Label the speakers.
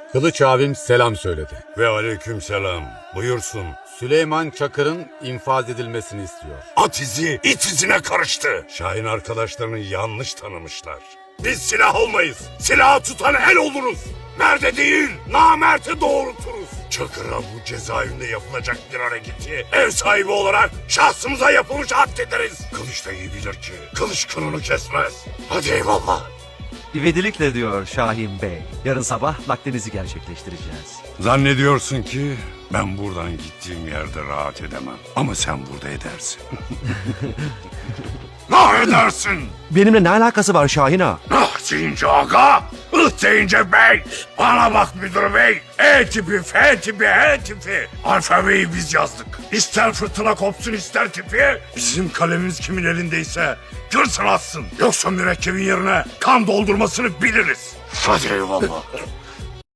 Speaker 1: Kılıç abim selam söyledi.
Speaker 2: Ve aleykümselam. Buyursun.
Speaker 1: Süleyman Çakır'ın infaz edilmesini istiyor.
Speaker 2: At izi it izine karıştı. Şahin arkadaşlarını yanlış tanımışlar. Biz silah olmayız. Silahı tutan el oluruz. Merde değil, namerte doğrulturuz. Çakır'a bu cezaevinde yapılacak bir hareketi ev sahibi olarak şahsımıza yapılmış addederiz. Kılıç da iyi bilir ki kılıç kınını kesmez. Hadi eyvallah.
Speaker 3: İvedilikle diyor Şahin Bey. Yarın sabah naklinizi gerçekleştireceğiz.
Speaker 2: Zannediyorsun ki ben buradan gittiğim yerde rahat edemem. Ama sen burada edersin. Ne edersin?
Speaker 3: Benimle ne alakası var Şahin ağa?
Speaker 2: Ah deyince aga, deyince bey. Bana bak müdür bey. E tipi, F tipi, H tipi. Alfabeyi biz yazdık. İster fırtına kopsun ister tipi. Bizim kalemimiz kimin elindeyse görsün atsın. Yoksa mürekkebin yerine kan doldurmasını biliriz. Hadi eyvallah.